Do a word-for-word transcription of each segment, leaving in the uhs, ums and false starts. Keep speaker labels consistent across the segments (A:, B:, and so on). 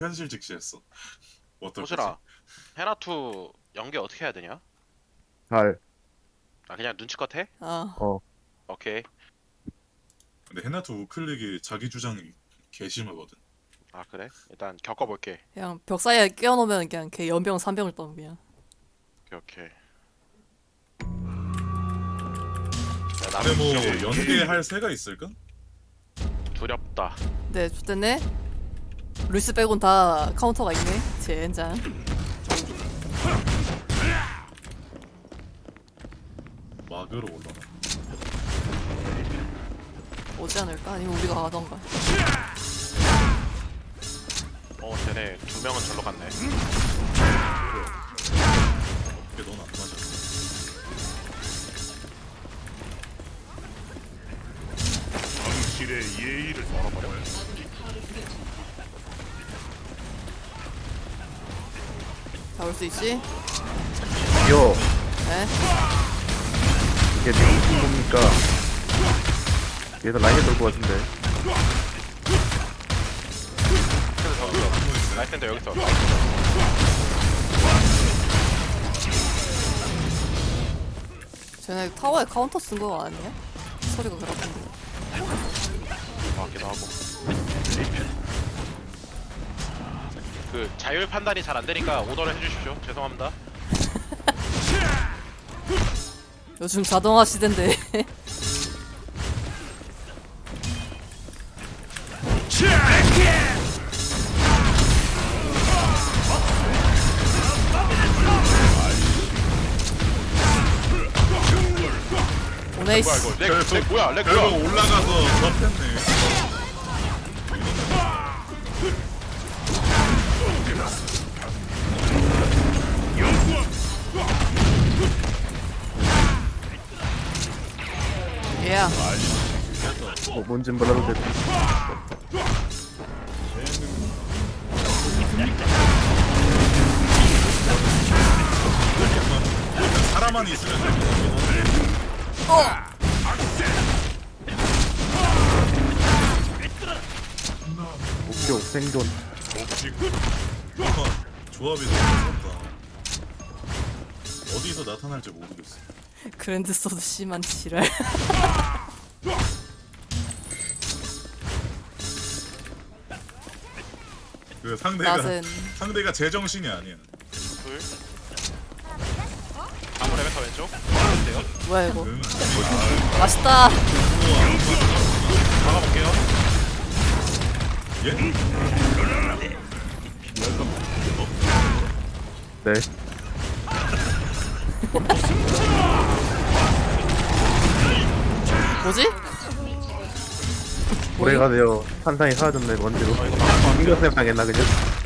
A: 현실 직시했어. 어떨 거지?
B: 호슬아, 헤나투 연계 어떻게 해야 되냐?
C: 잘,
B: 아 그냥 눈치껏 해?
D: 어.
C: 어,
B: 오케이.
A: 근데 헤나투 우클릭이 자기 주장이 개심하거든.
B: 아 그래? 일단 겪어볼게.
D: 그냥 벽 사이에 끼워놓으면 그냥 걔 연병 삼병을 떠 그냥.
B: 오케이 오케이. 야,
A: 근데
B: 나는
A: 뭐
B: 두려워.
A: 연계할 새가 있을까?
B: 두렵다.
D: 네, 좋댔네. 루이스 빼곤 다 카운터가 있네. 젠장.
A: 막으로 올라가.
D: 오지 않을까? 아니면 우리가 가던가.
B: 어 쟤네 두 명은 절로 갔네.
A: 이게 넌 안 맞아.
E: 당신의 예의를
B: 멀어버려.
D: 잡을 수 있지?
C: 요,
D: 네.
C: 이게 무슨 겁니까? 얘도 라인에 돌 것 같은데.
B: 그래서 저기서 라이센더 여기서.
D: 쟤네 타워에 카운터 쓴 거 아니야? 소리가 그렇던데.
B: 같기도 하고. 그 자율 판단이 잘 안 되니까 오더를 해주십시오. 죄송합니다.
D: 요즘 자동화 시대인데. 오네이스.
B: 뭐야 이거? 렉,
A: 결국-
B: 렉 뭐야? 렉
A: 결국
B: 뭐야?
A: 올라가서 접혔네.
D: 예.
C: 뭐, 뭔진 몰라도 돼.
A: 사람만 있으면 돼.
D: 어.
C: 목표 생존.
A: 뭔가 조합이 너무 무섭다. 어디서 나타날지 모르겠어.
D: 그랜드 소드 심한 지랄.
A: 그 상대가
D: 낫은
A: 상대가 제정신이 아니야.
B: 둘. 아무 레베카 왼쪽. 어때요?
D: 뭐야 이거?
A: 응.
D: 맛있다.
B: 막아볼게요.
A: 예?
C: 네.
D: 뭐지?
C: 오래가 되어 산상이 사라졌네, 먼지로. 인간 스냅 당했나, 그냥?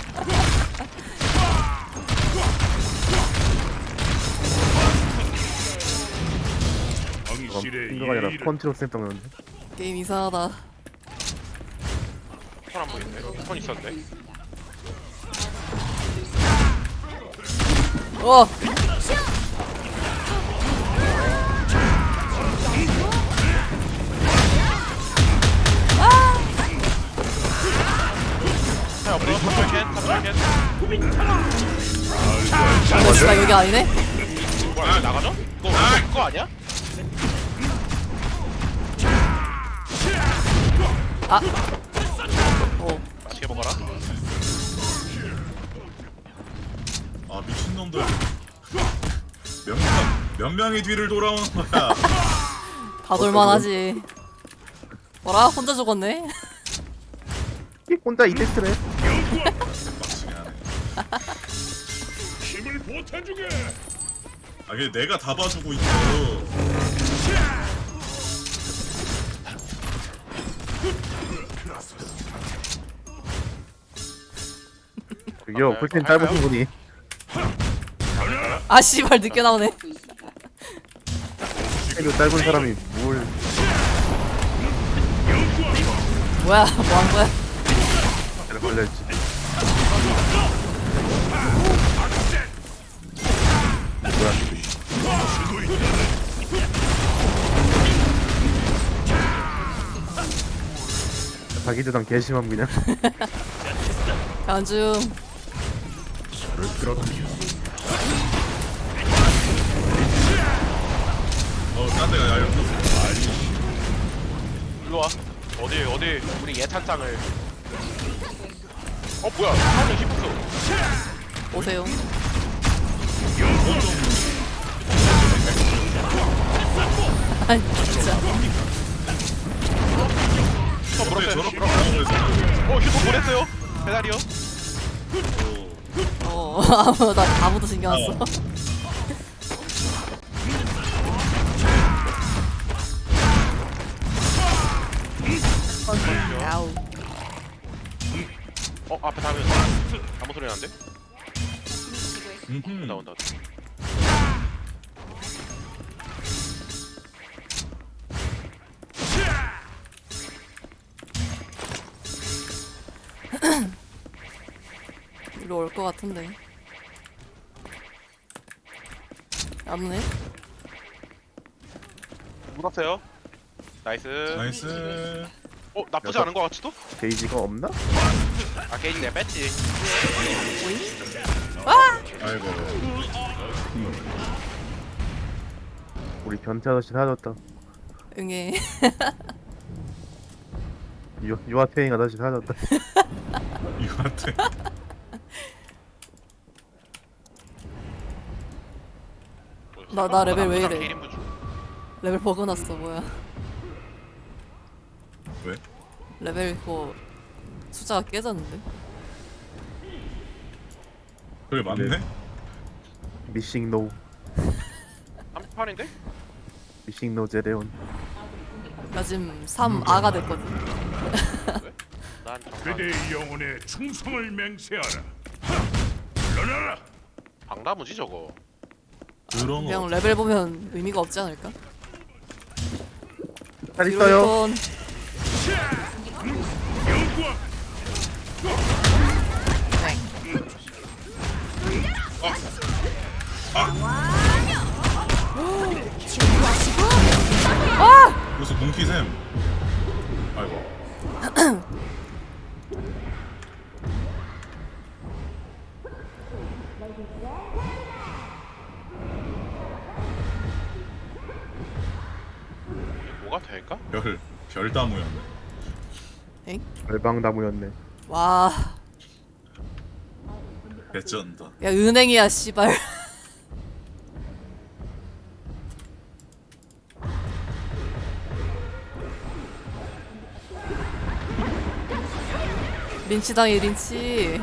E: 당신의
C: 인가가 아니라
E: 예의를
C: 펀치로 스냅 당했는데.
D: 게임 이상하다.
B: 손 안 보이네. 손 있었는데.
D: 어.
B: 자 옆으로 탑절캔 탑절캔.
D: 어, 씨발 여기 아니네?
B: 뭐야 나가죠? 이거 이거 아니야?
D: 아. 오.
B: 맛있게 먹어라.
A: 아 미친놈들. 몇 명, 몇 명이 뒤를 돌아오는 거야.
D: 다 돌만하지. 뭐라? 혼자 죽었네?
C: 혼자 이펙트래.
A: 막치게 하네.
E: 힘을 보태주게.
A: 아 이게 내가 다 봐주고 있어.
C: 저기요,
B: 아,
C: 풀템
B: 할까요?
C: 짧으신 분이.
D: 아 씨발 늦게 나오네.
C: 템이 짧은 사람이 뭘.
D: 뭐야? 뭐 한 거야?
C: 잘 걸려있지. 자기 주장 개심함 그냥.
D: 안중.
A: 어, 딴 데가 야였어.
B: 일로 와. 어디 어디 우리 예찬장을. 어 뭐야? 하늘 힙스.
D: 오세요. 아니 진짜.
B: 슈퍼
A: 어떻게
B: 물었어요.
A: 저렇게 방어해서.
B: 어 슈퍼 보냈어요. 배달이요.
A: 오.
D: 어 아무 나 아무도 신경 안 써.
A: 어.
D: 야우.
B: 어 앞에 다면 아무 소리 나는데?
A: 음흠.
B: 나온다.
D: 이리로 올 것 같은데. 안네.
B: 물었어요. 나이스.
A: 나이스.
B: 어 나쁘지
C: 여섯.
B: 않은 것 같지도?
C: 게이지가 없나?
B: 아 게이지 내가 뺐지.
D: 오잉?
A: 아이고.
C: 우리 변태 아저씨 사라졌다.
D: 응애.
C: 유, 유아태행 아저씨 사라졌다.
A: 이거한테.
D: 나- 나 레벨 왜 이래?
B: 일 인분 중.
D: 레벨 버그났어 뭐야?
A: 왜?
D: 레벨 그거 숫자가 깨졌는데?
A: 그게 맞네?
C: 미싱 노.
B: 한판인데?
C: 미싱 노 제레온.
D: 나 지금 삼 아가 됐거든.
B: 난 정말
E: 그대의 영혼에 충성을 맹세하라. 물러나라.
B: 방나무지 저거.
A: 그런
D: 그냥
A: 거.
D: 레벨 보면 의미가 없지 않을까?
C: 잘 있어요.
D: 유니콘.
E: 영광.
A: 그래서 몽키샘. 아이고.
B: 뭐가 될까?
A: 별, 별다무였네.
D: 엥?
C: 발방나무였네.
D: 와.
A: 개쩐다.
D: 야 은행이야 씨발. 린치당해 린치.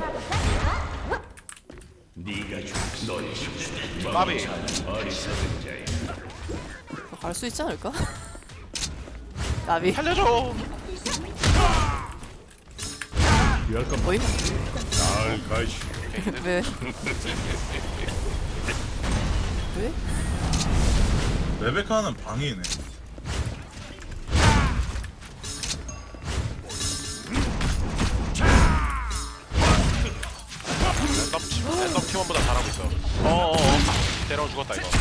B: 마비.
D: 갈 수 있지 않을까? 나비.
B: 살려줘.
D: 어이?
E: 잘 가시.
D: 왜? 왜?
A: 레베카는 방이네.
B: 랜덤 팀, 랜덤 팀원보다 잘하고 있어. 어어어. 때려 죽었다 이거.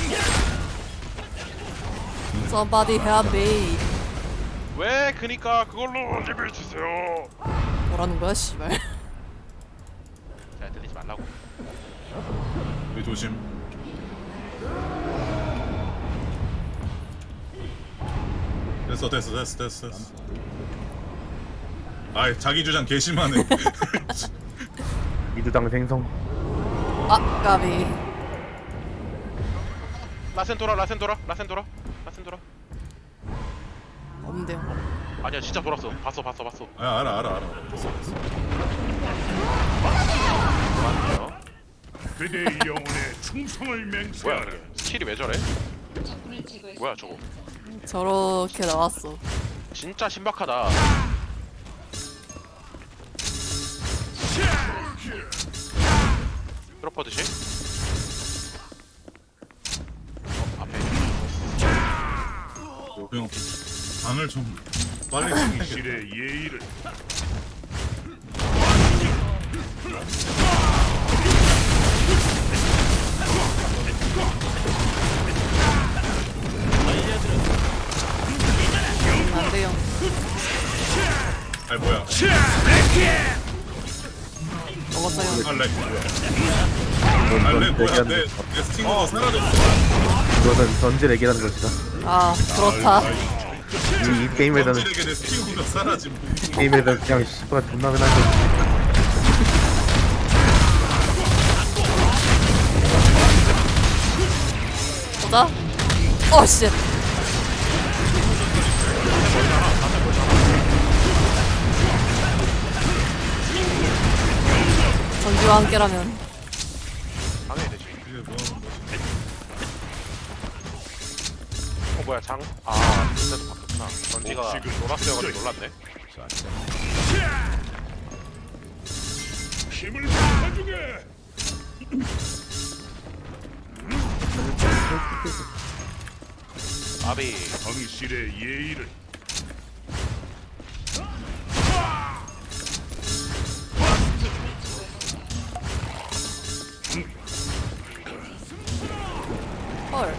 D: Somebody help me.
B: 왜 그니까 그걸로 리뷰 주세요.
D: 뭐라는 거야 씨발.
B: 잘 들리지 말라고.
A: 우리 조심. 됐어 됐어 됐어 됐어 됐어. 아이 자기 주장 개심하네.
C: 이두당 생성.
D: 아 까비.
B: 라센 돌아 라센 돌아 라센 돌아 라센 돌아.
D: 없는데요.
B: 아니야 진짜 돌았어. 봤어 봤어 봤어.
A: 아 알아 알아 알아. 됐어 됐어.
B: 맞네요.
E: 그대의 영혼에 충성을
B: 뭐야
E: 맹세하라.
B: 이게? 스킬이 왜 저래? 뭐야 저거?
D: 저렇게 나왔어.
B: 진짜 신박하다. 프로퍼드시? 어, 앞에
A: 형 방을 좀 빨리 챙겨야겠다.
E: 실의 예의를.
D: 안 돼요.
A: 아이 뭐야? 알렉 뭐야?
C: 이건
A: 알렉
C: 전
A: 뭐야?
C: 얘기하는
A: 내,
C: 것이다.
A: 내 스팅어가 사라졌어.
C: 이것은 전질 얘기하는 것이다.
D: 아 그렇다.
C: 이, 이 게임에서는
A: 전질에게 내 스팅어가 사라짐.
C: 이 게임에서 그냥 씨발 존나 맨날 거.
D: 보자. 어 씨. 전지와 함께라면
B: 당연히 되지.
A: 이게 뭐 하는 거지?
B: 어 뭐야 장? 아 그때도 바뀌었구나. 전지가
E: 옥식은
B: 노랗게여가지고 놀랐네.
E: 힘을 가중해.
B: 아비
E: 당신의 예의를
D: 헐.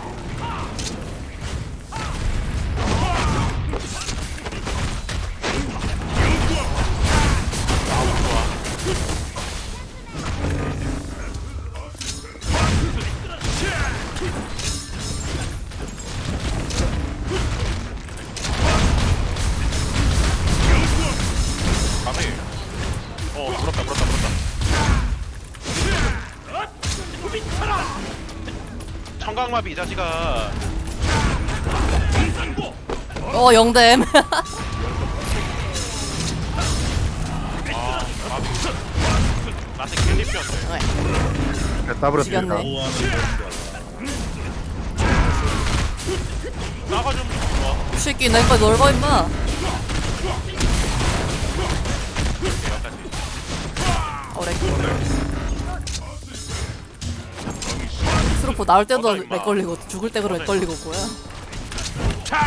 B: 아비. 어 물었다 물었다 물었다. 청각마비 이 자식아.
D: 어 영댐.
B: 아 마비. 나한테 킬리피였네.
C: 따버렸습니다.
D: 죽였네.
A: 뭐 하는 건가?
B: 나가 좀 좋아.
D: 이 새끼 내거 넓어 임마.
B: 여기까지.
D: 어렉. 스로포 나올 때도 렉 걸리고 죽을 때 그래 렉 걸리고 뭐야?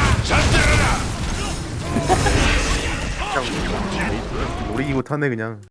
C: 그냥 놀이기구 타네 그냥.